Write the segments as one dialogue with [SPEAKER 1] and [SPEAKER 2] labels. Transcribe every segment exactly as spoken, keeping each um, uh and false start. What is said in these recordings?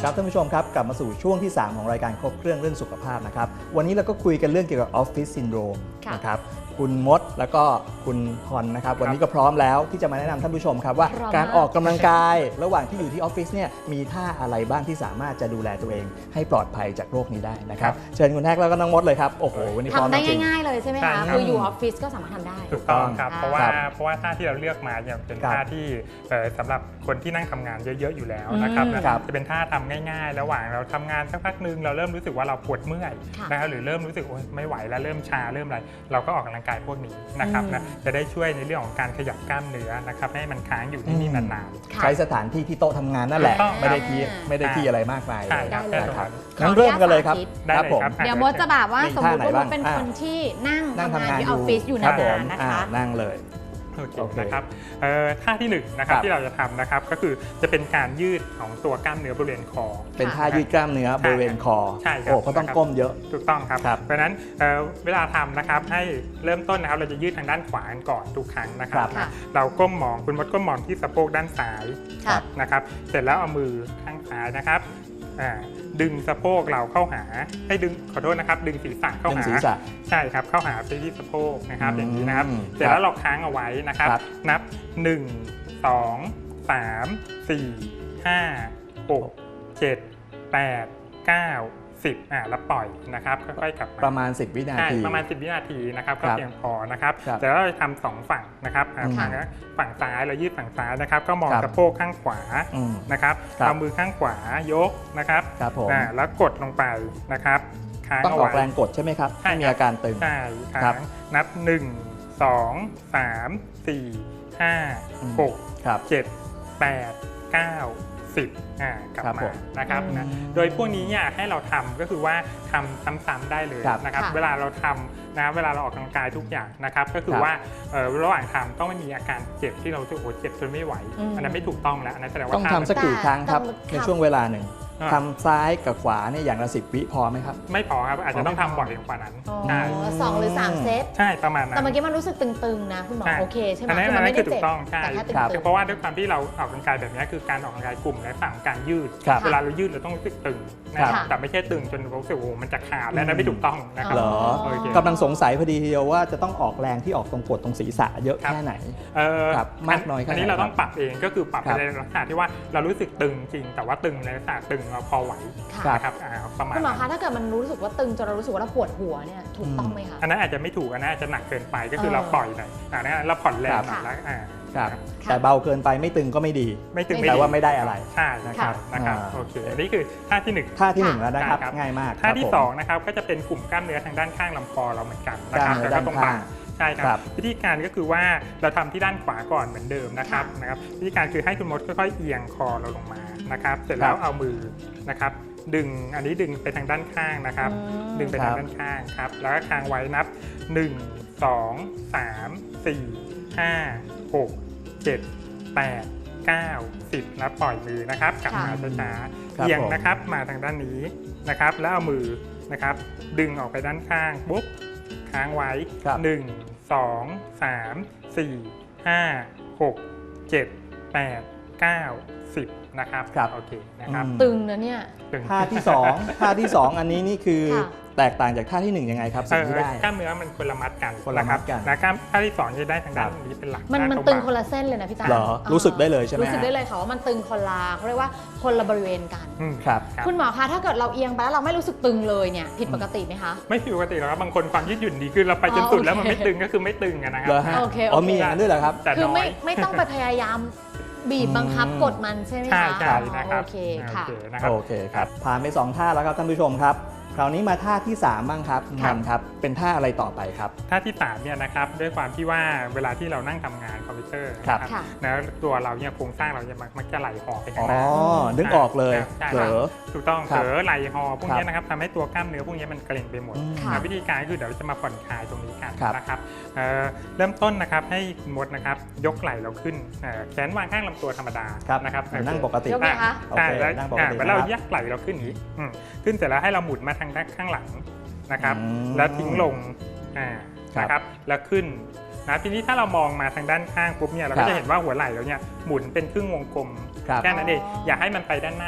[SPEAKER 1] ครับท่านผู้ชมครับกลับมาสู่ช่วงที่สามของรายการครบเครื่องเรื่องสุขภาพนะครับวันนี้เราก็คุยกันเรื่องเกี่ยวกับออฟฟิศซินโดรมนะครับคุณมดแล้วก็คุณพรนะครับวันนี้ก็พร้อมแล้วที่จะมาแนะนำท่านผู้ชมครับว่าการออกกำลังกายระหว่างที่อยู่ที่ออฟฟิศเนี่ยมีท่าอะไรบ้างที่สามารถจะดูแลตัวเองให้ปลอดภัยจากโรคนี้ได้นะครับเชิญคุณแท็กแล้วก็น้องมดเลยครับโอ้โหวันนี้พร้อมจริง
[SPEAKER 2] ทำได้ง่ายๆเลยใช่ไหมคะคืออยู่ออฟฟิศก็สามารถทำได้
[SPEAKER 3] ถูกต้องครับเพราะว่าเพราะว่าท่าที่เราเลือกมาเนี่ยเป็นท่าที่สำหรับคนที่นั่งทำงานเยอะๆอยู่แล้วนะครับจะเป็นท่าทำง่ายๆระหว่างเราทำงานสักพักนึงเราเริ่มรู้สึกว่าเราปวดเมื่อยนะครับหรือเริ่มรู้สึกไม่ไหวแล้วเริ่มชาเริ่มอะไรเราก็ออกกำลังกายพวกนี้นะครับนะจะได้ช่วยในเรื่องของการขยับกล้ามเนื้อนะครับให้มันค้างอยู่นิ่งๆนาน
[SPEAKER 1] ๆใช้สถานที่ที่โต๊ะทำงานนั่นแหละไม่ได้ที่ไม่ได้ที่อะไรมากมายเลยนะครับงั้นเริ่มกันเลยครับครับผม
[SPEAKER 2] เดี๋ยวมดจะแบบว่าสมมติว่ามดเป็นคนที่นั่งทำงานที่ออฟฟิศอยู่นานๆนะคะ
[SPEAKER 1] นั่งเลย
[SPEAKER 3] โอเคนะครับท่าที่หนึ่งนะครับที่เราจะทำนะครับก็คือจะเป็นการยืดของตัวกล้ามเนื้อบริเวณคอ
[SPEAKER 1] เป็นท่ายืดกล้ามเนื้อบริเวณคอ
[SPEAKER 3] ใช่ครับ
[SPEAKER 1] โอ้เพราะต้องก้มเยอะ
[SPEAKER 3] ถูกต้องครับเพราะฉะนั้นเวลาทำนะครับให้เริ่มต้นนะครับเราจะยืดทางด้านขวาก่อนทุกครั้งนะครับเราก้มมองคุณมดก้มมองที่สะโพกด้านซ้ายนะครับเสร็จแล้วเอามือข้างซ้ายนะครับดึงสะโพกเราเข้าหาให้ดึงขอโทษนะครับดึงศีรษะเข้าหาใช่ครับเข้าหาไปที่สะโพกนะครับอย่างนี้นะครับเสร็จแล้วเราค้างเอาไว้นะครับนับหนึ่ง สอง สาม สี่ ห้า หก เจ็ด แปด เก้า สิบอ่าแล้วปล่อยนะครับค่อยๆกลับมา
[SPEAKER 1] ประมาณสิบวินาที
[SPEAKER 3] ประมาณสิบวินาทีนะครับก็เพียงพอนะครับแต่แล้วเราจะทำสองฝั่งนะครับฝั่งฝั่งซ้ายเรายืดฝั่งซ้ายนะครับก็มองสะโพกข้างขวานะครับเอามือข้างขวายกนะครับแล้วกดลงไปนะครับค้างเอาไว้
[SPEAKER 1] ต้องออกแรงกดใช่ไหมครับให้มีอาการตึง
[SPEAKER 3] ใช่ค้างนับหนึ่ง สอง สาม สี่ ห้า หก เจ็ด แปด เก้าสิบอ่ากลับมานะครับนะโดยพวกนี้เนี่ยให้เราทำก็คือว่าทำซ้ำๆได้เลยนะครับเวลาเราทำนะเวลาเราออกกำลังกายทุกอย่างนะครับก็คือว่าระหว่างทำต้องไม่มีอาการเจ็บที่เราจะโอ้เจ็บจนไม่ไหวอันนั้นไม่ถูกต้องแล้วอันนั้นแสดงว่า
[SPEAKER 1] ต้องทำสักกี่ครั้งครับในช่วงเวลาหนึ่งทำซ้ายกับขวาเนี่ยอย่างละสิบวิพอไหมครับ
[SPEAKER 3] ไม่พอครับอาจจะต้องทำบ่อยกว่านั้นใช่
[SPEAKER 2] สองหรือสามเซต
[SPEAKER 3] ใช่ประมาณนั้น
[SPEAKER 2] แต่เมื่อกี้มันรู้สึกตึงๆนะคุณหมอโอเคใช่ไหม
[SPEAKER 3] คือมันไม่ได้เจ็บแต่แค่ตึงๆเพราะว่าด้วยความที่เราออกกำลังกายแบบนี้คือการออกกำลังกายกลุ่มและฝั่งการยืดเวลาเรายืดเราต้องรู้สึกตึงนะครับแต่ไม่ใช่ตึงจนรู้สึกโอ้มันจะขาดและนั้นไม่ถูกต้องนะครับ
[SPEAKER 1] เหรอกำลังสงสัยพอดีทีเดียวว่าจะต้องออกแรงที่ออกตรงกดตรงศีรษะเยอะแค่ไหนครับมากน้อยแค่ไหน
[SPEAKER 3] อันนี้เราต้องปรับเองก็คือปรับในลักษณะที่ว่าเรารู้สึกตึงจริงแต่ว่าตึงในลักษณะตึงเราพอไหวนะครับประมาณ
[SPEAKER 2] คุณหมอคะถ้าเกิดมันรู้สึกว่าตึงจนเรารู้สึกว่าเราปวดหัวเนี่ยถูกต้องไหมคะ
[SPEAKER 3] อันนั้นอาจจะไม่ถูกอันนั้นอาจจะหนักเกินไปก็คือเราปล่อยหน่อยอ่านะเราผ่อนแรงหน่อยแล้วอ่า
[SPEAKER 1] แต่เบาเกินไปไม่ตึงก็ไม่ดี
[SPEAKER 3] ไม่ตึง
[SPEAKER 1] แต่ว่าไม่ได้อะไร
[SPEAKER 3] ใช่นะครับนะครับโอเคอันนี้คือท่าที่หนึ่ง
[SPEAKER 1] ท่าที่หนึ่งแล้วนะครับง่ายมาก
[SPEAKER 3] ท่าที่สองนะครับก็จะเป็นกลุ่มกล้ามเนื้อทางด้านข้างลำคอเราเหมือนกันนะครับแล้วก็ตรงบ่าใช่ครับวิธีการก็คือว่าเราทำที่ด้านขวาก่อนเหมือนเดิมนะครับนะครับวิธีการคือให้คุณมดค่อยๆเอียงคอเราลงมานะครับเสร็จแล้วเอามือนะครับดึงอันนี้ดึงไปทางด้านข้างนะครับดึงไปทางด้านข้างครับแล้วก็ค้างไว้นับหนึ่ง สอง สาม สี่ ห้า หก เจ็ด แปด เก้า สิบแล้วปล่อยมือนะครับกลับมาช้าๆเอียงนะครับมาทางด้านนี้นะครับแล้วเอามือนะครับดึงออกไปด้านข้างปุ๊บค้างไว้หนึ่ง สอง สาม สี่ ห้า หก เจ็ด แปด เก้า สิบนะครับโอเคนะครับ
[SPEAKER 2] ตึงนะเนี่ย
[SPEAKER 1] ท่าที่สองท่าที่สองอันนี้นี่คือแตกต่างจากท่าที่หนึ่งยังไงครับสิ่งที่ได้
[SPEAKER 3] กล้ามเนื้อมันคนละมัดกัน
[SPEAKER 1] คนละมัดกัน
[SPEAKER 3] นะกล้ามท่าที่สองจะได้ทางด้านนี้เป็นหลัก
[SPEAKER 2] มันมันตึงคนละเส้นเลยนะพี่ตา
[SPEAKER 1] เหรอรู้สึกได้เลยใช่ไหม
[SPEAKER 2] รู้สึกได้เลยค่ะว่ามันตึงคนละเขาเรียกว่าคนละบริเวณกัน
[SPEAKER 1] ครับ
[SPEAKER 2] คุณหมอคะถ้าเกิดเราเอียงไปแล้วเราไม่รู้สึกตึงเลยเนี่ยผิดปกติไหมคะ
[SPEAKER 3] ไม่ผิดปกติหรอกครับบางคนความยืดหยุ่นดีคือเราไปจนสุดแล้วมันไม่ตึงก็คือไม่ตึงนะครับ
[SPEAKER 1] โอเคอ๋อมีอย่างนั้นด้วยเหรอครับ
[SPEAKER 2] คือไม่ไม่ต้องไปพยายามบีบบังคับกดมันใช่ไหมคะ
[SPEAKER 3] ใช่นะครับ
[SPEAKER 2] โอเคค่ะ
[SPEAKER 1] โอเคครับผ่านไปสองท่าแล้วครับท่านผู้ชมครับคราวนี้มาท่าที่สามบ้างครับมันครับเป็นท่าอะไรต่อไปครับ
[SPEAKER 3] ท่าที่สามเนี่ยนะครับด้วยความที่ว่าเวลาที่เรานั่งทำงานคอมพิวเตอร์นะครับแล้วตัวเราเนี่ยโครงสร้างเราจะมักจะไหลห่อไปข้างหน้า
[SPEAKER 1] อ๋อนึกออกเลยเผลอ
[SPEAKER 3] ถูกต้องเผลอไหลห่อพวกนี้นะครับทำให้ตัวกล้ามเนื้อพวกนี้มันเกร็งไปหมดวิธีการคือเดี๋ยวเราจะมาผ่อนคลายตรงนี้กันนะครับเริ่มต้นนะครับให้มดนะครับยกไหล่เราขึ้นแขนวางข้างลำตัวธรรมดานะครับ
[SPEAKER 1] นั่งปกติ
[SPEAKER 3] ใช่แล้วเรายักไหล่เราขึ้นนี้ขึ้นเสร็จแล้วให้เราหมุนมาทางด้านข้างหลังนะครับแล้วทิ้งลงนะครับแล้วขึ้นนะทีนี้ถ้าเรามองมาทางด้านข้างปุ๊บเนี่ยเราก็จะเห็นว่าหัวไหล่เราเนี่ยหมุนเป็นครึ่งวงกลมแค่นั้นเองอย่าให้มันไปด้านหน้าอีก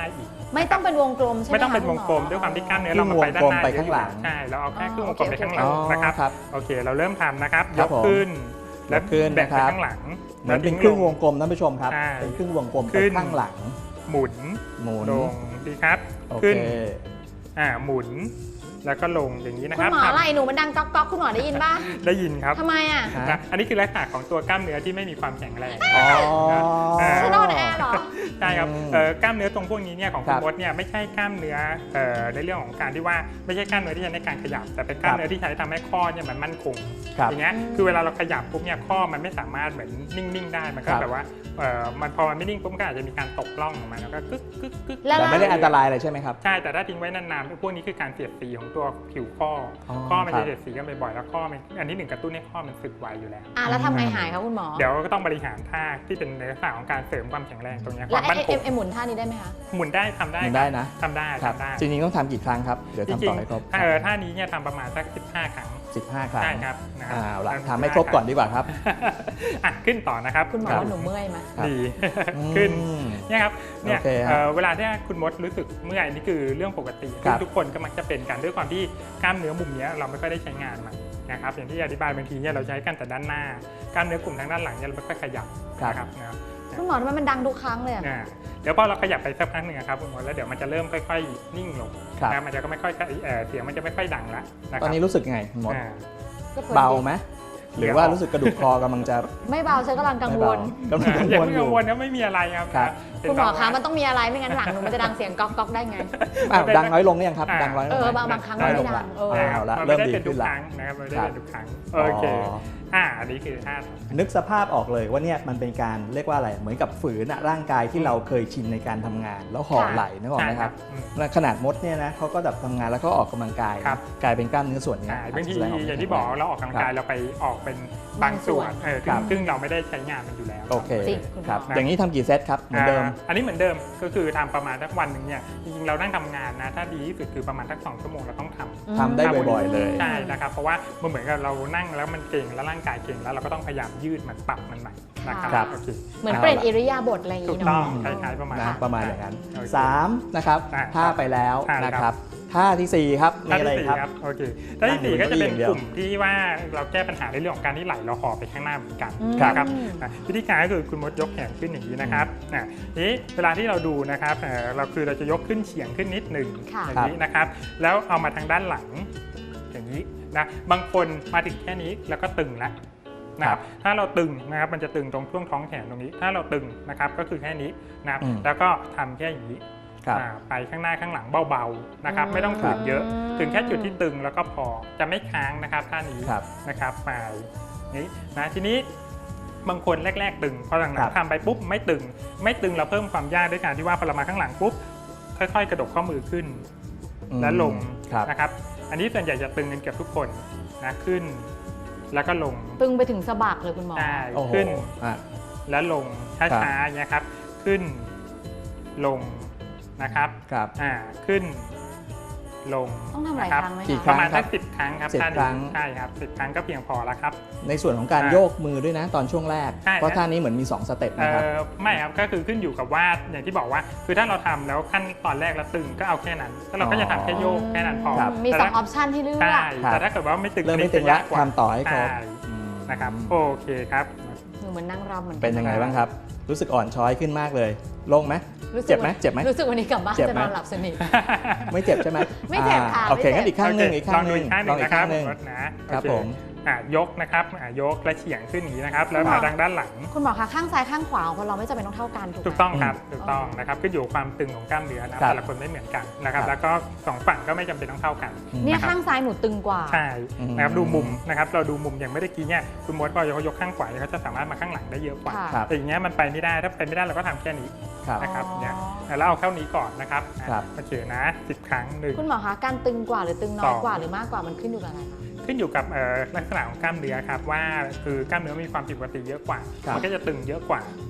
[SPEAKER 2] ไม่ต้องเป็นวงกลมใช่ไหม
[SPEAKER 3] ไม่ต้องเป็นวงกลม
[SPEAKER 2] คะ
[SPEAKER 3] ด้วยความที่กล้ามเนื้อ
[SPEAKER 1] ครึ่
[SPEAKER 3] เรา
[SPEAKER 1] ง
[SPEAKER 3] มาไปด้านหน้า
[SPEAKER 1] วงกลมไปข้างหลัง
[SPEAKER 3] ใช่เราเอาแค่ครึ่งวงกลม
[SPEAKER 2] โอเค
[SPEAKER 3] ไปข้างหลัง
[SPEAKER 1] อ๋อ
[SPEAKER 3] นะครับ
[SPEAKER 1] ครับ
[SPEAKER 3] โอเคเราเริ่มทำนะครับ
[SPEAKER 1] ค
[SPEAKER 3] ย
[SPEAKER 1] รับ
[SPEAKER 3] ก
[SPEAKER 1] ผม
[SPEAKER 3] ขึ้นแล้ว
[SPEAKER 1] ยกขึ้น
[SPEAKER 3] แบกไป
[SPEAKER 1] นะครับ
[SPEAKER 3] ข้างหลัง
[SPEAKER 1] เหมือนเป็นครึ่งวงกลมท่านผู้ชมครับ
[SPEAKER 3] ใช่
[SPEAKER 1] เป็นครึ่งวงกลม
[SPEAKER 3] ขึ้
[SPEAKER 1] ไป
[SPEAKER 3] น
[SPEAKER 1] ข้างหลัง
[SPEAKER 3] หมุน
[SPEAKER 1] หมุน
[SPEAKER 3] ลงดีครับ
[SPEAKER 1] โอเค
[SPEAKER 3] ขึ้นอ่าหมุนแล้วก็ลงอย่างนี้นะ
[SPEAKER 2] คุ
[SPEAKER 3] ค
[SPEAKER 2] ณ
[SPEAKER 3] รับ
[SPEAKER 2] หมอไหล่หนูมันดังก๊อกก๊อกคุณหมอได้ยินป่ะ
[SPEAKER 3] ได้ยินครับ
[SPEAKER 2] ทำไมอ่ะ
[SPEAKER 1] ฮะ
[SPEAKER 3] นะอันนี้คือลักษณะของตัวกล้ามเนื้อที่ไม่มีความแข็งแรง
[SPEAKER 1] อ๋อ
[SPEAKER 3] อ่า
[SPEAKER 2] ฉันนอนแอร์เหรอ
[SPEAKER 3] ใช่ครับ
[SPEAKER 1] อืม
[SPEAKER 3] เอ่อกล้ามเนื้อตรงพวกนี้เนี่ยของ
[SPEAKER 1] ครั
[SPEAKER 3] คุณ
[SPEAKER 1] บ
[SPEAKER 3] มดเนี่ยไม่ใช่กล้ามเนื้อเอ่อในเรื่องของการที่ว่าไม่ใช่กล้ามเนื้อที่ใช้ในการขยับ แต่เป็นกล้ามเนื้อที่ใช้ทำให้ข้อเนี่ยมันมั่นคง
[SPEAKER 1] ครับ
[SPEAKER 3] อย่างเงี้ย
[SPEAKER 2] อืม
[SPEAKER 3] คือเวลาเราขยับปุ๊บเนี่ยข้อมันไม่สามารถเหมือนนิ่งๆได้มันก็
[SPEAKER 1] ครับ
[SPEAKER 3] แบบว่าเอ่อมันพอมันไม่นิ่งปุ๊บมันก็อาจจะมีการตกล่องออกมาแล้วก็กึกกึกกึก
[SPEAKER 2] แล้ว
[SPEAKER 1] แต่ไม่ได้อันตรายอะไรใช่ไหมครับ
[SPEAKER 3] ใช่แต่ถ้าทิ้งไว้นานๆพวกนี้คือการเสียดสีของตัวผิวข้ออ
[SPEAKER 1] อ
[SPEAKER 3] ข้อมัน
[SPEAKER 1] ครั
[SPEAKER 3] จะ
[SPEAKER 1] บ
[SPEAKER 3] เสียดสีกันบ่อยๆแล้วข้อมันอันนี้หนึ่งกระตุ้นให้ข้อมันสึกไวอยู่แล้ว
[SPEAKER 2] อ่ะแล้วทำไงหายคะคุณหมอ
[SPEAKER 3] เดี๋ยวก็ต้องบริหารท่าที่เป็นในลักษณะของการเสริมความแข็งแรงตรงเนี้ยค
[SPEAKER 2] แล้ว
[SPEAKER 3] วาม
[SPEAKER 2] ไอ้
[SPEAKER 3] มั่นค
[SPEAKER 2] ไอ้
[SPEAKER 3] ง
[SPEAKER 2] ไอ้หมุนท่านี้ได้ไหมคะ
[SPEAKER 3] หมุนได้ทำได้
[SPEAKER 1] หมุนได้นะ
[SPEAKER 3] ทำได้
[SPEAKER 1] ครับ
[SPEAKER 3] ทำได้
[SPEAKER 1] จริงๆต้องทำกี่ครั้งครับ เดี๋ยว
[SPEAKER 3] จ
[SPEAKER 1] ทำ
[SPEAKER 3] ริ
[SPEAKER 1] ต่
[SPEAKER 3] ง
[SPEAKER 1] อให้ครบ
[SPEAKER 3] ๆถ้าเออท่านี้เนี่ยทำประมาณสักสิบห้าครั้ง
[SPEAKER 1] สิบห้าครั้ง
[SPEAKER 3] ใช่ครับนะครั
[SPEAKER 1] อ่าเอาละ
[SPEAKER 3] บ
[SPEAKER 1] ทำให้ครบก่อนดีกว่าครับ
[SPEAKER 3] อ่ะขึ้นต่อนะครับ
[SPEAKER 2] คุณหมอ
[SPEAKER 1] ครับ
[SPEAKER 2] ว่าหนูเมื่อยไหม
[SPEAKER 1] ครับ
[SPEAKER 3] ดี ขึ้น
[SPEAKER 1] อืม
[SPEAKER 3] เนี่ยครับเนี่ย
[SPEAKER 1] โอเคครับ
[SPEAKER 3] เอ่อเวลาที่คุณมดรู้สึกเมื่อยนี่คือเรื่องปกติ
[SPEAKER 1] ครับ
[SPEAKER 3] ทุกคนก็มักจะเป็นกันด้วยความที่กล้ามเนื้อมุมเนี้ยเราไม่ค่อยได้ใช้งานมันนะครับอย่างที่อธิบายบางทีเนี่ยเราใช้กันแต่ด้านหน้ากล้ามเนื้อกลุ่มทางด้านหลังเนี่ยเราไม่ค่อยขยับนะครับนะ
[SPEAKER 2] คุณหมอทำไมมันดังทุกครั้งเลยอะ
[SPEAKER 3] อ่าเดี๋ยวพอเราขยับไปสักพักหนึ่งอะครับคุณมดแล้วเดี๋ยวมันจะเริ่มค่อยๆ นิ่งลง
[SPEAKER 1] ครับ
[SPEAKER 3] นะมันจะก็ไม่ค่อยเอ่อเสียงมันจะไม่ค่อยดังละนะค
[SPEAKER 1] ตอ
[SPEAKER 3] รั
[SPEAKER 1] นนี้รู้สึกยังไงคุณมด
[SPEAKER 3] อ่า
[SPEAKER 2] ก็พอดี
[SPEAKER 1] เบาไหมหรือว่า
[SPEAKER 3] เดี๋ยว
[SPEAKER 1] รู้สึกกระดูกคอกำลังจะ
[SPEAKER 2] ไม่เบาฉันกำลังกังวล
[SPEAKER 1] ไม่เบากำลังกัง
[SPEAKER 3] อย่าว
[SPEAKER 1] ล
[SPEAKER 3] เพิ่ง
[SPEAKER 1] อยู่
[SPEAKER 3] กังวลนะไม่มีอะไรครับ
[SPEAKER 1] ครับ
[SPEAKER 3] เป็น
[SPEAKER 2] คุณหมอ
[SPEAKER 3] แบบ
[SPEAKER 2] คะ
[SPEAKER 3] ว่า
[SPEAKER 2] มันต้องมีอะไรไม่งั้นหลังหนูมันจะดังเสียงก๊อกก๊อกได้ไง
[SPEAKER 1] อ้าวดังน้อยลงหรือยังครับ
[SPEAKER 3] อ่า
[SPEAKER 1] ดังน้อยลง
[SPEAKER 2] เอ
[SPEAKER 1] ไหม
[SPEAKER 2] อบางบางครั้ง
[SPEAKER 1] น้อย
[SPEAKER 2] ไม่
[SPEAKER 1] ลง
[SPEAKER 2] ดั
[SPEAKER 1] ละ
[SPEAKER 2] งเออ
[SPEAKER 1] เอาละ
[SPEAKER 3] มัน
[SPEAKER 1] เริ่
[SPEAKER 3] ไม่
[SPEAKER 1] ม
[SPEAKER 3] ได้
[SPEAKER 1] ดี
[SPEAKER 3] เป็นทุ
[SPEAKER 1] ขึ้
[SPEAKER 3] ก
[SPEAKER 1] นละ
[SPEAKER 3] ครั้งนะครับมันไม่ได้
[SPEAKER 1] ครับ
[SPEAKER 3] เป็นทุกครั้งโอเค
[SPEAKER 1] อ๋อ
[SPEAKER 3] อ่าอันนี้คือท่า
[SPEAKER 1] นึกสภาพออกเลยว่าเนี่ยมันเป็นการเรียกว่าอะไรเหมือนกับฝืนอะร่างกายที่เราเคยชินในการทำงาน แล้วห่อไหล่นึกออกไหมครับ
[SPEAKER 3] อืม
[SPEAKER 1] และขนาดมดเนี่ยนะเขาก็แบบทำงานแล้วก็ออกกำลังกาย
[SPEAKER 3] ครับ
[SPEAKER 1] กลายเป็นกล้ามเนื้อส่วนเนี้ย
[SPEAKER 3] อ่าบางที
[SPEAKER 1] แสดออก
[SPEAKER 3] อย่างที่บอกเราออกกำลังกายเราไปออกเป็นบางส่วนเออ
[SPEAKER 1] ครับ
[SPEAKER 3] ซึ่งเราไม่ได้ใช้งานมันอยู่แล้ว
[SPEAKER 1] โอเค
[SPEAKER 2] จริงคุณหมอ
[SPEAKER 1] ครับอย่างนี้ทำกี่เซตครับเหมือนเดิม
[SPEAKER 3] อ่าอันนี้เหมือนเดิมก็คือทำประมาณสักวันหนึ่งเนี่ยจริงๆเรานั่งทำงานนะถ้าดีที่สุดคือประมาณสักสองชั่วโมงเราต้องทำ
[SPEAKER 1] ทำได้บ่อยๆเลย
[SPEAKER 3] ใช่นะครับเพราะว่ามันเหมือนกับเรานั่งแล้วมันเก่งแล้วร่างกายเก่งแล้วเราก็ต้องพยายามยืดมันปรับมันใหม่นะครับ
[SPEAKER 1] ครับ
[SPEAKER 3] โอเค
[SPEAKER 2] เหมือนเปลี่ยนอิริยาบถอะไรอย่าง
[SPEAKER 3] ถูก
[SPEAKER 2] นี้
[SPEAKER 3] ต้อง
[SPEAKER 2] เนาะ
[SPEAKER 3] คล้ายๆประมาณ
[SPEAKER 1] นะ
[SPEAKER 3] นั้น
[SPEAKER 1] ประมาณอย่างนั้น
[SPEAKER 3] โอเค
[SPEAKER 1] สามนะครับ
[SPEAKER 3] อ่า
[SPEAKER 1] ท่าไปแล้ว
[SPEAKER 3] ท่า
[SPEAKER 1] นะครับท่าที่สี่ครับมี
[SPEAKER 3] ท่า
[SPEAKER 1] อะไร
[SPEAKER 3] ที่สี่
[SPEAKER 1] ครับ
[SPEAKER 3] ครับโอเคท่าที่สี่
[SPEAKER 1] นั่
[SPEAKER 3] ก็
[SPEAKER 1] งอยู่
[SPEAKER 3] จะเป็น
[SPEAKER 1] เก้าอี้อย่างเดียว
[SPEAKER 3] กลุ่มที่ว่าเราแก้ปัญหาในเรื่องของการที่ไหลเราห่อไปข้างหน้าเหมือนกัน
[SPEAKER 2] อืม
[SPEAKER 3] นะครับอ่ะวิธีการก็คือคุณมดยกแขนขึ้นอย่างนี้นะครับอ่ะทีนี้เวลาที่เราดูนะครับเอ่อเราคือเราจะยกขึ้นเฉียงขึ้นนิดหนึ่ง
[SPEAKER 2] ค่ะ
[SPEAKER 3] อย่างนี้นะครับ แล้วเอามาทางด้านหลังอย่างนี้นะบางคนมาถึงแค่นี้แล้วก็ตึงแล้วนะครับถ้าเราตึงนะครับมันจะตึงตรงช่วงท้องแขนตรงนี้ ถ้าเราตึงนะครับก็คือแค่นี้นะครับ
[SPEAKER 1] อืม
[SPEAKER 3] แล้วก็ทำแค่อย่างนี้
[SPEAKER 1] ครับ
[SPEAKER 3] อ่าไปข้างหน้าข้างหลังเบาๆนะครับ
[SPEAKER 2] อืม
[SPEAKER 3] ไม่ต้องฝืนเยอะ
[SPEAKER 2] อืม
[SPEAKER 3] ถึงแค่จุดที่ตึงแล้วก็พอจะไม่ค้างนะครับท่านี้
[SPEAKER 1] ครับ
[SPEAKER 3] นะครับไปนี้นะทีนี้บางคนแรก ๆ ตึงพอหลัง
[SPEAKER 1] ครับ
[SPEAKER 3] ๆทำไปปุ๊บไม่ตึง ไม่ตึงเราเพิ่มความยากด้วยการที่ว่าพอเรามาข้างหลังปุ๊บค่อยๆ กระดกข้อมือขึ้น และลง
[SPEAKER 1] ครับ
[SPEAKER 3] นะครับ อันนี้ส่วนใหญ่จะตึงกันเกือบทุกคนนะขึ้น แล้วก็ลง
[SPEAKER 2] ตึงไปถึงสะบักเลยคุณหมอ
[SPEAKER 3] ได้
[SPEAKER 1] โอ้โห
[SPEAKER 3] ขึ้น
[SPEAKER 1] อ่ะ
[SPEAKER 3] แล้วลง
[SPEAKER 1] ครับ
[SPEAKER 3] ช้าๆอย่างเงี้ยครับขึ้นลงนะครับ
[SPEAKER 1] ครับ
[SPEAKER 3] อ่าขึ้นลง
[SPEAKER 2] ต้องทำหลาย
[SPEAKER 3] นะ
[SPEAKER 2] ครั้งไหม
[SPEAKER 1] กี่
[SPEAKER 2] คะ
[SPEAKER 1] ค
[SPEAKER 3] ป
[SPEAKER 1] รั้
[SPEAKER 3] ระ
[SPEAKER 1] ง
[SPEAKER 3] มาณ
[SPEAKER 1] ครั
[SPEAKER 3] สั
[SPEAKER 1] บ
[SPEAKER 3] กสิบครั้งครับ
[SPEAKER 1] สิบ
[SPEAKER 3] ท่า
[SPEAKER 1] ครั้ง
[SPEAKER 3] ใช่ครับสิบครั้งก็เพียงพอแล้วครับ
[SPEAKER 1] ในส่วนของการ
[SPEAKER 3] อ่า
[SPEAKER 1] โยกมือด้วยนะ ตอนช่วงแรก
[SPEAKER 3] ใช่
[SPEAKER 1] เพราะท่านี้เหมือนมีสองสเต็ป
[SPEAKER 3] เอ่
[SPEAKER 1] นะครับ
[SPEAKER 3] อไม่ครับก็คือขึ้นอยู่กับว่าอย่างที่บอกว่า คือถ้าเราทำแล้วขั้นตอนแรกแล้วตึงก็เอาแค่นั้นแล้วเราก็จะทำแค่โยกแค่นั้นพอ
[SPEAKER 1] ครับ
[SPEAKER 2] มี
[SPEAKER 3] แต่
[SPEAKER 2] สองอ
[SPEAKER 3] ถ้า
[SPEAKER 2] อปชันให้เลือก
[SPEAKER 3] ใช่
[SPEAKER 1] ครับ
[SPEAKER 3] แต่ถ้าเกิดว่าไม่ตึง
[SPEAKER 1] เริ่มไม่
[SPEAKER 3] อันนี้
[SPEAKER 1] ตึง
[SPEAKER 3] จะ
[SPEAKER 1] ละ
[SPEAKER 3] ยากกว่า
[SPEAKER 1] ทำต่อให้ครบ
[SPEAKER 3] ใช่
[SPEAKER 1] อืม
[SPEAKER 3] นะครับโอเคครับ
[SPEAKER 2] หนูเหมือนนั่งรำเหมือนกั
[SPEAKER 1] เป็นยังไงบ้างครับ รู้สึกอ่อนช้อยขึ้นมากเลยโล่งไหม
[SPEAKER 2] รู้สึก
[SPEAKER 1] เจ็บไหมเจ็บไหม
[SPEAKER 2] รู้สึกวันนี้กลับบ้าน
[SPEAKER 1] เจ็บ
[SPEAKER 2] จะ
[SPEAKER 1] ไหม
[SPEAKER 2] นอนหลับสนิท
[SPEAKER 1] ไม่เจ็บใช่ไหม
[SPEAKER 2] ไม่เจ็บค่ะ
[SPEAKER 1] อ่าโอเค
[SPEAKER 2] ไม่เจ็บ
[SPEAKER 1] งั้นอีกข้างหนึ่ง
[SPEAKER 3] โเค
[SPEAKER 1] อีกข้างหนึ่ง
[SPEAKER 3] ลองดูอีกข้างหนึ่ง
[SPEAKER 1] ลองอีกข้างหนึ่ง
[SPEAKER 3] นะครับรถนะครับ โอเ
[SPEAKER 1] ผม
[SPEAKER 3] อ่ะยกนะครับอ่ะยกและเฉียงขึ้นอย่างนี้นะครับ แล้วมาทางด้านหลัง
[SPEAKER 2] คุณหมอคะข้างซ้ายข้างขวาของคนเราไม่จำเป็นต้องเท่ากันถูกไหม
[SPEAKER 3] ถูกต้องครับถูกต้องนะครับขึ้นอยู่กับความตึงของกล้ามเนื้อนะ
[SPEAKER 1] ครั
[SPEAKER 3] แต่
[SPEAKER 1] บ
[SPEAKER 3] ละคนไม่เหมือนกันนะครับ
[SPEAKER 1] ครับ
[SPEAKER 3] แล้วก็สองฝั่งก็ไม่จำเป็นต้องเท่ากัน
[SPEAKER 2] เนี่ย
[SPEAKER 3] นะครับ
[SPEAKER 2] ข้างซ้ายหนูตึงกว่า
[SPEAKER 3] ใช่
[SPEAKER 1] อืม
[SPEAKER 3] นะครับดูมุมนะครับเราดูมุมอย่างไม่ได้กี้เนี่ยคุณมดพอเขายกข้างขวาเนี่ยเขาจะสามารถมาข้างหลังได้เยอะกว่า
[SPEAKER 2] ค่ะ
[SPEAKER 1] ครับ
[SPEAKER 3] แต่อย่างเงี้ยมันไปไม่ได้ถ้าไปไม่ได้เราก็ทำแค่นี้
[SPEAKER 1] ครับ
[SPEAKER 3] นะครับ
[SPEAKER 2] อ๋อ
[SPEAKER 3] เนี่ยแล้วเอาเท่านี้ก่อนนะครับ
[SPEAKER 1] ครับ
[SPEAKER 3] โอเคนะสิบครั้งหนึ่ง
[SPEAKER 2] คุณหมอคะการตึงกว่าหรือตึงน้
[SPEAKER 3] ส
[SPEAKER 2] อ
[SPEAKER 3] อย ง
[SPEAKER 2] กว่าหรือมากกว่ามันขึ้นอยู่กับอะไรคะ
[SPEAKER 3] ขึ้นอยู่กับเอ่อลักษณะของกล้ามเนื้อครับว่าคือกล้ามเนื้อมีความผิดปกติเยอะกว่า
[SPEAKER 1] ครับ
[SPEAKER 3] มันก็จะตึงเยอะกว่า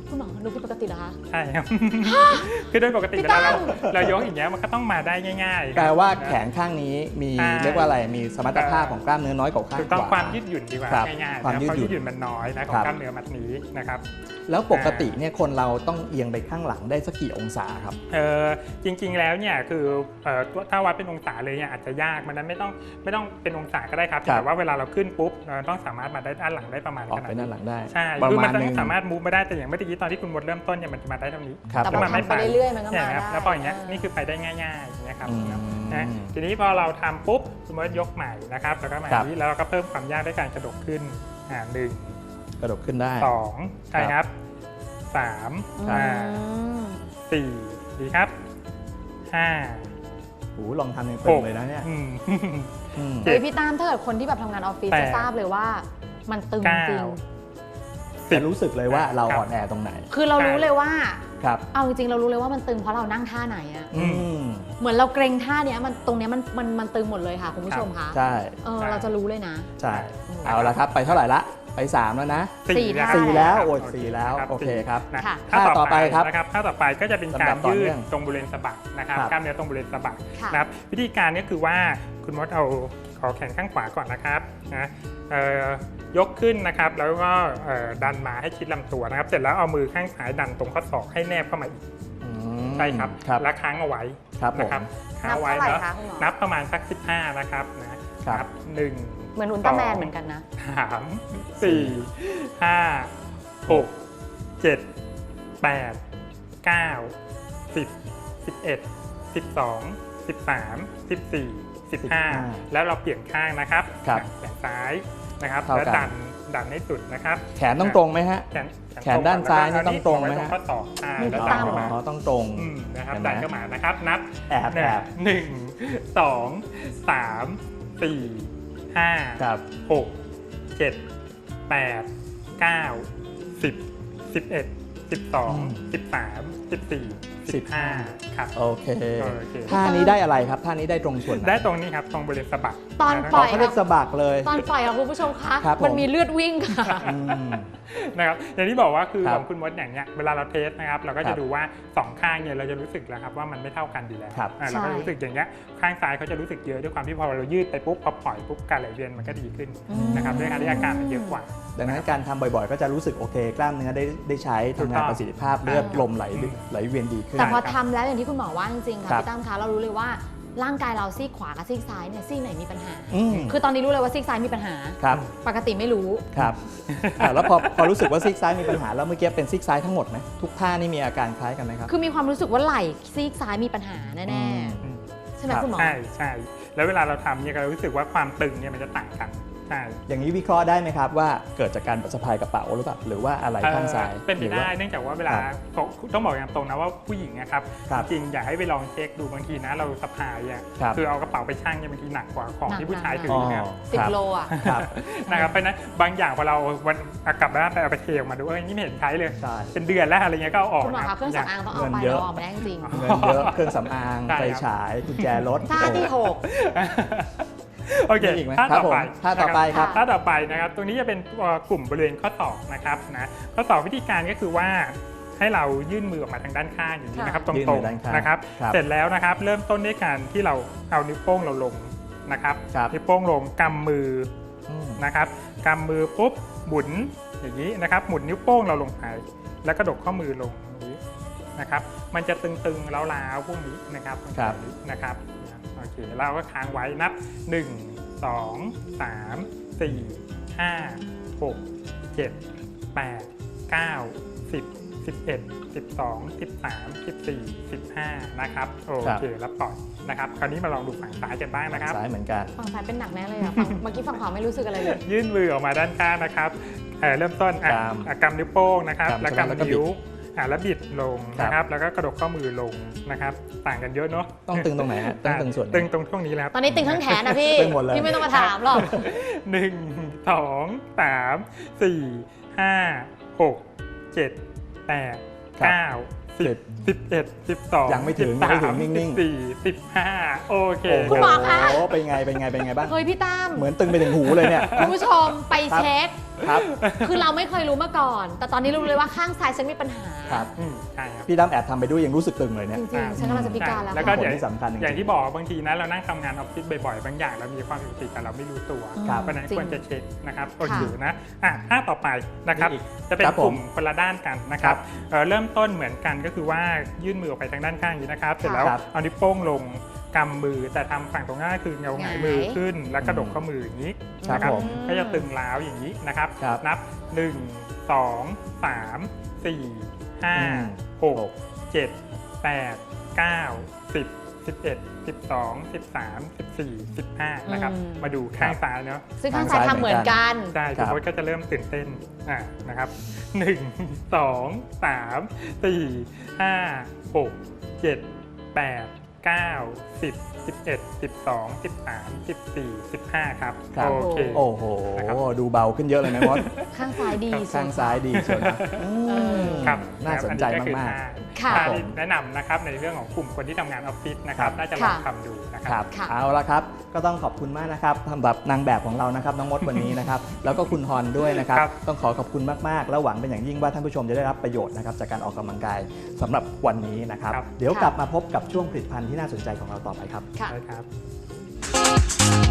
[SPEAKER 2] คุณหมอดูผิดปกติเหรอคะ
[SPEAKER 3] ใช่ครับ คือโดยปกติเวลาเราเรายกอย่างเงี้ยมันก็ต้องมาได้ง่ายๆ
[SPEAKER 1] แปลว่าแขนข้างนี้มี
[SPEAKER 3] ใช่
[SPEAKER 1] เรียกว่าอะไรมีสมรรถภาพของกล้ามเนื้อน้อยกว่าข้าง
[SPEAKER 3] ถูกต้อง
[SPEAKER 1] ขวา
[SPEAKER 3] ความยืดหยุ่นดีกว่า
[SPEAKER 1] ครับ
[SPEAKER 3] ง่ายๆ
[SPEAKER 1] ความ
[SPEAKER 3] นะ
[SPEAKER 1] ยืด
[SPEAKER 3] เพราะ
[SPEAKER 1] หยุ่
[SPEAKER 3] ยื
[SPEAKER 1] น
[SPEAKER 3] ดหยุ่นมันน้อยนะขอ
[SPEAKER 1] ครั
[SPEAKER 3] ง
[SPEAKER 1] บ
[SPEAKER 3] กล้ามเนื้อมัดนี้นะครับ
[SPEAKER 1] แล้วปกติเนี่ยคนเราต้องเอียงไปข้างหลังได้สักกี่องศาครับ
[SPEAKER 3] เออจริงๆแล้วเนี่ยคือเอ่อถ้าวัดเป็นองศาเลยเนี่ยอาจจะยากมันนั้นไม่ต้องไม่ต้องเป็นองศาก็ได้ครับ
[SPEAKER 1] ครับ
[SPEAKER 3] แต่ว่าเวลาเราขึ้นปุ๊บเราต้องสามารถมาได้ด้านหลังได้ประมาณ
[SPEAKER 1] ออก
[SPEAKER 3] ขนาด
[SPEAKER 1] ไปด้านหลังได้
[SPEAKER 3] ใช่
[SPEAKER 1] ประ
[SPEAKER 3] คือ
[SPEAKER 1] มา
[SPEAKER 3] มัน
[SPEAKER 1] ณ
[SPEAKER 3] ต้อ
[SPEAKER 1] นึ
[SPEAKER 3] ง
[SPEAKER 1] ง
[SPEAKER 3] สามารถมูฟมาได้แต่อย่างเมื่อกี้ตอนที่คุณมดเริ่มต้นเนี่ยมันจะมาได้เท่านี้
[SPEAKER 1] ครับ
[SPEAKER 2] แต่
[SPEAKER 3] ก็
[SPEAKER 2] พอ
[SPEAKER 3] มันไม่
[SPEAKER 2] ทำไปเรื่อยๆมันก็
[SPEAKER 3] เนี่ย
[SPEAKER 2] มา
[SPEAKER 3] นะครับ
[SPEAKER 2] ได้
[SPEAKER 3] แล้วพออย่างเงี้ย
[SPEAKER 2] เออ
[SPEAKER 3] นี่คือไปได้ง่ายๆอย่างเงี้ยครับ
[SPEAKER 1] อืม
[SPEAKER 3] นะทีนี้พอเราทำปุ๊บคุณมดยกใหม่นะครับแล้วก็มา
[SPEAKER 1] ครับ
[SPEAKER 3] นี้แล้วเราก็เพิ่มความยากด้วยการกระดกขึ้นอ่าหนึ่ง
[SPEAKER 1] กระดกขึ้นได้
[SPEAKER 3] สองใช่ครับสาม
[SPEAKER 1] ครับ
[SPEAKER 3] อ่า
[SPEAKER 2] อืม
[SPEAKER 3] สี่ดีครับห้า
[SPEAKER 1] โอ้โหลองทำอย่าง
[SPEAKER 3] ห
[SPEAKER 1] เปิด
[SPEAKER 3] ก
[SPEAKER 1] เลยนะเนี่ย
[SPEAKER 3] อืม
[SPEAKER 1] อืม
[SPEAKER 2] เฮ้ยพี่ตามถ้าเกิดคนที่แบบทำงานออฟฟิศ
[SPEAKER 3] แปด
[SPEAKER 2] จะทราบเลยว่ามันตึง
[SPEAKER 3] เก้า
[SPEAKER 2] จริง
[SPEAKER 1] จะรู้สึกเลยว่าเรา
[SPEAKER 3] ครับ
[SPEAKER 1] อ่อนแอตรงไหน
[SPEAKER 2] คือเรารู้เลยว่า
[SPEAKER 1] ครับ
[SPEAKER 2] เอาจริงๆเรารู้เลยว่ามันตึงเพราะเรานั่งท่าไหนอะ
[SPEAKER 3] อื
[SPEAKER 1] อืม
[SPEAKER 2] เหมือนเราเกรงท่าเนี้ยมันตรงเนี้ยมันมันมันตึงหมดเลยค่ะคุณผู้ชมคะ
[SPEAKER 1] ใช่
[SPEAKER 2] เออเราจะรู้เลยนะ
[SPEAKER 1] ใช่
[SPEAKER 2] อืม
[SPEAKER 1] เอาละครับ ไปเท่าไหร่ละ ไปสามแล้วนะ
[SPEAKER 2] สี่
[SPEAKER 3] นะ
[SPEAKER 2] ท่า
[SPEAKER 1] สี่แล้ว
[SPEAKER 3] ครับ
[SPEAKER 1] โอ้ยสี่แล้ว
[SPEAKER 3] รับ
[SPEAKER 1] โอเคครับ
[SPEAKER 3] นะ
[SPEAKER 2] ค่ะ
[SPEAKER 3] ท่า
[SPEAKER 1] ท่าต่
[SPEAKER 3] ต่
[SPEAKER 1] อ
[SPEAKER 3] อ
[SPEAKER 1] ไป
[SPEAKER 3] ไป
[SPEAKER 1] ครับ
[SPEAKER 3] นะครับท่าต่อไปก็จะเป็นการ
[SPEAKER 1] ลำดับต่อ
[SPEAKER 3] ยื
[SPEAKER 1] เนื่
[SPEAKER 3] ด
[SPEAKER 1] อง
[SPEAKER 3] ตรงบริเวณสะบักนะครับ
[SPEAKER 1] ครับ
[SPEAKER 3] กล้ามเนื้อตรงบริเวณสะบัก
[SPEAKER 2] ค่ะ
[SPEAKER 3] นะครับวิธีการก็คือว่าคุณมดเอาขอแขนข้างขวาก่อนนะครับนะเอ่อยกขึ้นนะครับแล้วก็เอ่อดันมาให้ชิดลำตัวนะครับ เสร็จแล้วเอามือข้างซ้ายดันตรงข้อศอกให้แนบเข้ามาอีก
[SPEAKER 1] อืม
[SPEAKER 3] ใช่ครับ
[SPEAKER 1] ครับ
[SPEAKER 3] แล้วค้างเอาไว้
[SPEAKER 1] ครับผม
[SPEAKER 3] นะครับค้างเอาไว้
[SPEAKER 2] นับเท่าไหร่
[SPEAKER 3] แล้ว
[SPEAKER 2] คะคุณหมอ
[SPEAKER 3] นับประมาณสักสิบห้านะครับนะครับ หนึ่ง
[SPEAKER 2] เหมือนอุลตร้าแมนเหมือนกันนะ
[SPEAKER 3] สามสี่ห้าหกเจ็ดแปดเก้าสิบสิบเอ็ดสิบสองสิบสามสิบสี่สิบห้าแล้วเราเปลี่ยนข้างนะครับ
[SPEAKER 1] ครับ
[SPEAKER 3] แขนซ้ายนะครับ
[SPEAKER 1] เท่ากัน
[SPEAKER 3] แล้วดันดันให้สุดนะครับ
[SPEAKER 1] แขนต้องตรงไหมฮะ
[SPEAKER 3] แขน
[SPEAKER 1] แขนด้านซ้ายนี่ต้องตรงไหม
[SPEAKER 3] ไว้ตรง
[SPEAKER 1] ฮะ
[SPEAKER 3] ข้อศอกใช่
[SPEAKER 2] มือ
[SPEAKER 3] แล้ว
[SPEAKER 2] ตา
[SPEAKER 3] ดัน
[SPEAKER 2] ม
[SPEAKER 3] เข้ามา
[SPEAKER 1] อ๋อต้องตรง
[SPEAKER 3] อืมนะครับ
[SPEAKER 1] เห็นไหม
[SPEAKER 3] ดันเข้ามานะครับนับ
[SPEAKER 1] แอบ
[SPEAKER 3] หนึ่
[SPEAKER 1] แอง บ
[SPEAKER 3] หนึ่งสองสามสี่ห้า
[SPEAKER 1] ครับ
[SPEAKER 3] หกเจ็ดแปดเก้าสิบสิบเอ็ดสิบสองสิบสามสิบสี่สิบห้าครับ
[SPEAKER 1] โอเค
[SPEAKER 3] โอเค
[SPEAKER 1] ท่านี้ได้อะไรครับ ท่านี้ได้ตรงส่วนไหน
[SPEAKER 3] ได้ตรงนี้ครับตรงบริเวณสะบัก
[SPEAKER 2] ตอน
[SPEAKER 3] นะ
[SPEAKER 2] ป
[SPEAKER 3] ค
[SPEAKER 2] ล่
[SPEAKER 3] รั
[SPEAKER 2] อบ ย
[SPEAKER 1] เขาเรียกสะบักเลย
[SPEAKER 2] ตอนปล่อยค่ะคุณผู้ชมคะ
[SPEAKER 1] ครับผม
[SPEAKER 2] มันมีเลือดวิ่งค่ะ
[SPEAKER 1] อืม
[SPEAKER 3] นะครับอย่างที่บอกว่าคือ
[SPEAKER 1] ค
[SPEAKER 3] ข
[SPEAKER 1] รับ
[SPEAKER 3] องคุณมดอย่างเนี้ยเวลาเราเทสนะครับเราก็
[SPEAKER 1] ครั
[SPEAKER 3] จะ
[SPEAKER 1] บ
[SPEAKER 3] ดูว่าสองข้างเนี่ยเราจะรู้สึกแล้วครับว่ามันไม่เท่ากันดีแล้ว
[SPEAKER 1] ครับ
[SPEAKER 3] อ่าเราก็
[SPEAKER 2] ใช่
[SPEAKER 3] รู้สึกอย่างเงี้ยข้างซ้ายเขาจะรู้สึกเยอะด้วยความที่พอเรายืดไปปุ๊บพอปล่อยปุ๊บการไหลเวียนมันก็ดีขึ้น
[SPEAKER 2] อืม
[SPEAKER 3] นะครับด้วยการที่อาการมันเยอะกว่า
[SPEAKER 1] ดังนั้นการทำบ่อยๆ ก็จะรู้สึกโอเค กล้ามเนื้อได้ได้ใช้
[SPEAKER 3] ถูก
[SPEAKER 1] ทำ
[SPEAKER 3] ต้อง
[SPEAKER 1] งานประสิทธิภาพเลือด
[SPEAKER 3] อ่า
[SPEAKER 1] ลมไหล
[SPEAKER 3] อืม
[SPEAKER 1] ไหลเวียนดีขึ้น
[SPEAKER 2] แต่พอทำแล้วอย่างที่คุณหมอว่าจริงๆค่ะ
[SPEAKER 1] ครับ
[SPEAKER 2] พี่ตั้มคะเรารู้เลยว่าร่างกายเราซีกขวากับซีกซ้ายเนี่ยซีกไหนมีปัญหา
[SPEAKER 1] อืม
[SPEAKER 2] คือตอนนี้รู้เลยว่าซีกซ้ายมีปัญหา
[SPEAKER 1] ครับ
[SPEAKER 2] ปกติไม่รู้
[SPEAKER 1] ครับอ่ะแล้วพอพอรู้สึกว่าซีกซ้ายมีปัญหาแล้วเมื่อกี้เป็นซีกซ้ายทั้งหมดไหมทุกท่านี่มีอาการคล้ายกันไหมครับ
[SPEAKER 2] คือมีความรู้สึกว่าไหล่ซีกซ้ายมีปัญหาแน่
[SPEAKER 1] อืม
[SPEAKER 2] ๆใช่ไหม
[SPEAKER 1] ครับ
[SPEAKER 2] คุณหมอ
[SPEAKER 3] ใช่ใช่แล้วเวลาเราทำเนี่ยเรารู้สึกว่าความตึงเนี่ยมันจะต่างกันใช่
[SPEAKER 1] อย่างนี้วิเคราะห์ได้ไหมครับว่าเกิดจากการสะพายกระเป๋าหรือเปล่าหรือว่าอะไรข้างซ้าย
[SPEAKER 3] เอ่อเป็นไป
[SPEAKER 1] หรือ
[SPEAKER 3] ได้
[SPEAKER 1] ว่า
[SPEAKER 3] เนื่องจากว่าเวลา
[SPEAKER 1] ครับ
[SPEAKER 3] ต้องบอกอย่างตรงนะว่าผู้หญิงนะครับ
[SPEAKER 1] ครับ
[SPEAKER 3] จริงๆอยากให้ไปลองเช็คดูบางทีนะเราสะพายอ่ะ
[SPEAKER 1] ครับ
[SPEAKER 3] คือเอากระเป๋าไปชั่งเนี่ยบางทีหนักกว่าของที่ผู้ชายถื
[SPEAKER 1] อ๋
[SPEAKER 3] อ
[SPEAKER 1] อ
[SPEAKER 3] นะครับ
[SPEAKER 2] สิบ
[SPEAKER 1] ครับ
[SPEAKER 2] โลอ่ะ
[SPEAKER 1] ครับ
[SPEAKER 3] นะครับเพราะฉะนั้นบางอย่างพอเราวันเอากลับบ้านไปเอาไปเทออกมาดูเอ้ยนี่ไม่เห็นใช้เลย
[SPEAKER 1] ใช่
[SPEAKER 3] เป็นเดือนแล้วอะไรเงี้ยก็เอาออก
[SPEAKER 2] คุณหมอ
[SPEAKER 3] นะ
[SPEAKER 2] คะเครื่องสำอางต้องเอาไป
[SPEAKER 1] เงินเย
[SPEAKER 2] เรา
[SPEAKER 1] อะ
[SPEAKER 2] ออกไม่ได้จริง
[SPEAKER 1] เงินเยอะเครื่องสำอาง
[SPEAKER 3] ใช่
[SPEAKER 1] ไฟ
[SPEAKER 3] ครับ
[SPEAKER 1] ฉายกุญแจรถ
[SPEAKER 2] ๆท่าที่หก
[SPEAKER 3] โอเค
[SPEAKER 1] มีอีกไหม
[SPEAKER 3] ท่า
[SPEAKER 1] ครับ
[SPEAKER 3] ต่อไป
[SPEAKER 1] ผมท่าต่อไปครับ
[SPEAKER 3] ท่าต่อไปนะครับตรงนี้จะเป็นตัวกลุ่มบริเวณข้อศอกนะครับนะข้อศอกวิธีการก็คือว่าให้เรายื่นมือออกมาทางด้านข้างอย่างนี้นะครับต
[SPEAKER 1] ยื่น
[SPEAKER 3] ร
[SPEAKER 1] มื
[SPEAKER 3] ง
[SPEAKER 1] อด้านข้าง
[SPEAKER 3] ๆนะครับ
[SPEAKER 1] ครับ
[SPEAKER 3] เสร็จแล้วนะครับเริ่มต้นด้วยการที่เราเอานิ้วโป้งเราลงนะครับ
[SPEAKER 1] ครับ
[SPEAKER 3] นิ้วโป้งลงกำมือ
[SPEAKER 1] อืม
[SPEAKER 3] นะครับกำมือปุ๊บหมุนอย่างนี้นะครับหมุนนิ้วโป้งเราลงไปแล้วกระดกข้อมือลงอย่างนี้นะครับมันจะตึงๆล้าวๆพวกนี้นะครับมันจะ
[SPEAKER 1] ครับ
[SPEAKER 3] นะครับโอเคเราก็ค้างไว้นับหนึ่งสองสามสี่ห้าหกเจ็ดแปดเก้าสิบสิบเอ็ดสิบสองสิบสามสิบสี่สิบห้านะครับโอเคแล้วปล่อยนะครับคราวนี้มาลองดูฝั่งซ้ายกันบ้างนะครับ
[SPEAKER 1] ซ้ายเหมือนกัน
[SPEAKER 2] ฝั่งซ้ายเป็นหนักแน่เลยอ่ะฝั่งเมื่อกี้ฝั่งขวาไม่รู้สึกอะไรเลย
[SPEAKER 3] ยื่นมือออกมาด้านข้างนะครับเอ่อเริ่มต้นอ่ะ
[SPEAKER 1] กำ
[SPEAKER 3] อ่ะกำนิ้วโป้งนะครับ
[SPEAKER 1] กำ
[SPEAKER 3] แล้ว
[SPEAKER 1] ใช่ไหมแล้วก็
[SPEAKER 3] กำนิ้วอ่ะแล้วบิดลง
[SPEAKER 1] ครับ
[SPEAKER 3] นะครับแล้วก็กระดกข้อมือลงนะครับต่างกันเยอะเนาะ
[SPEAKER 1] ต้องตึงตรงไหนฮะต้องตึงส่วนไหน
[SPEAKER 3] ตึงตรงช่วงนี้แล้ว
[SPEAKER 2] ตอนนี้ตึงทั้งแขนนะพี่
[SPEAKER 1] ตึงหมดเลย
[SPEAKER 2] พี่ไม่ต้องมาถามหรอก
[SPEAKER 3] หนึ่งสองสามสี่ห้าหกเจ็ดแปด
[SPEAKER 1] ครับ
[SPEAKER 3] เก้าสิบสิบเอ็ดสิบสอง
[SPEAKER 1] ยังไม่ถึง
[SPEAKER 3] สิบสา
[SPEAKER 1] ยังไม่ถึงนิ่งๆ
[SPEAKER 3] สิบสี่สิบห้าโอเค
[SPEAKER 1] โอ้โห
[SPEAKER 2] คุณหมอคะ
[SPEAKER 1] เป็นไงเป็นไงเป็นไงบ้าง
[SPEAKER 2] เฮ้ยพี่ตั้ม
[SPEAKER 1] เหมือนตึงไปถึงหูเลยเนี่ย
[SPEAKER 2] คุณผู้ชมไปเช็ค
[SPEAKER 1] ครับ
[SPEAKER 2] คือเราไม่เคยรู้มาก่อน แต่ตอนนี้รู้เลยว่าข้างซ้ายฉันมีปัญหา
[SPEAKER 1] ครับ
[SPEAKER 3] อืมใช่ครับ
[SPEAKER 1] พี่ดำแอบทำไปด้วยยังรู้สึกตึงเลยเนี่ย
[SPEAKER 2] จริงๆฉันกำลังจะพิการแล้ว
[SPEAKER 3] แล้วก็
[SPEAKER 2] ค่ะ
[SPEAKER 3] เดี๋ยว
[SPEAKER 1] ผลที่สำคัญจริงๆ
[SPEAKER 3] อย่างที่บอกบางทีนะเรานั่งทำงานออฟฟิศบ่อยๆ บางอย่างเรามีความผิดปกติแต่เราไม่รู้ตัว
[SPEAKER 1] ครับ
[SPEAKER 3] เพราะฉะนั้น
[SPEAKER 2] จริง
[SPEAKER 3] ควรจะเช็คนะครับโอ
[SPEAKER 2] ค่ะ
[SPEAKER 3] เคนะอ่ะท่าต่อไปนะครับ
[SPEAKER 1] มีอีก
[SPEAKER 3] จะเป็น
[SPEAKER 1] ครับผม
[SPEAKER 3] กลุ่มคนละด้านกันนะครับ
[SPEAKER 1] ครับ
[SPEAKER 3] เอ่อเริ่มต้นเหมือนกันก็คือว่ายื่นมือออกไปทางด้านข้างอย่างนี้นะครับเสร็จแล้ว
[SPEAKER 1] ครับ
[SPEAKER 3] เอานิ้วโป้งลงกำมือแต่ทำฝั่งตรงหน้าคือเงาหงายมือขึ้น แล้วกระดกข้อมืออย่างนี้
[SPEAKER 1] ครับ
[SPEAKER 3] นะ
[SPEAKER 1] ผม
[SPEAKER 3] ก็จะตึงล้าวอย่างนี้นะครับ
[SPEAKER 1] ครับ
[SPEAKER 3] นับหนึ่ง สอง สาม สี่ ห้า
[SPEAKER 1] อืม
[SPEAKER 3] หก เจ็ด แปด เก้า สิบ สิบเอ็ด สิบสอง สิบสาม สิบสี่ สิบห้านะครับ
[SPEAKER 2] อืม
[SPEAKER 3] มาดูข้างซ้ายเนาะ
[SPEAKER 2] ซึ่งข้างซ้ายทำเหมือนกัน
[SPEAKER 3] ใช่
[SPEAKER 1] ครั
[SPEAKER 3] คุณ
[SPEAKER 1] บ
[SPEAKER 3] โบ๊ทก็จะเริ่มตื่นเต้นอ่านะครับหนึ่ง สอง สาม สี่ ห้า หก เจ็ด แปด เก้า สิบ สิบเอ็ด สิบสอง สิบสาม สิบสี่ สิบห้าครับ
[SPEAKER 1] ครับ
[SPEAKER 3] โอเค
[SPEAKER 1] โอ้โห
[SPEAKER 3] นะครับ
[SPEAKER 1] ดูเบาขึ้นเยอะเลยนะมด
[SPEAKER 2] ข้างซ้ายดี
[SPEAKER 1] ข้างซ้ายดีเชียวนะอืม
[SPEAKER 3] ครับ
[SPEAKER 1] น่าสนใจ
[SPEAKER 3] อัก็คือ
[SPEAKER 1] มาก
[SPEAKER 3] ท่
[SPEAKER 2] ค่ะ
[SPEAKER 3] ท่าที่แนะนำนะครับในเรื่องของกลุ่มคนที่ทำงานออฟฟิศนะครับ น่าจะลอง
[SPEAKER 2] ค่ะ
[SPEAKER 3] ทำดูนะค
[SPEAKER 1] ๆ ค
[SPEAKER 3] รั
[SPEAKER 1] รับ บ
[SPEAKER 2] ค่ะ
[SPEAKER 1] เอาละครับ ก็ต้องขอบคุณมากนะครับสำหรับนางแบบของเรานะครับน้องมดวันนี้นะครับ แล้วก็คุณฮอนด้วยนะครับ
[SPEAKER 3] ครับ
[SPEAKER 1] ต้องขอขอบคุณมากๆ แล้วหวังเป็นอย่างยิ่งว่าท่านผู้ชมจะได้รับประโยชน์นะครับจากการออกกำลังกายสำหรับวันนี้นะครับ
[SPEAKER 3] ครับ
[SPEAKER 1] เดี๋ยว
[SPEAKER 2] ค่ะ
[SPEAKER 1] กลับมาพบกับช่วงผลิตภัณฑ์ที่น่าสนใจของเราต่อไปครับ
[SPEAKER 2] ค่ะ
[SPEAKER 3] ได้ครับ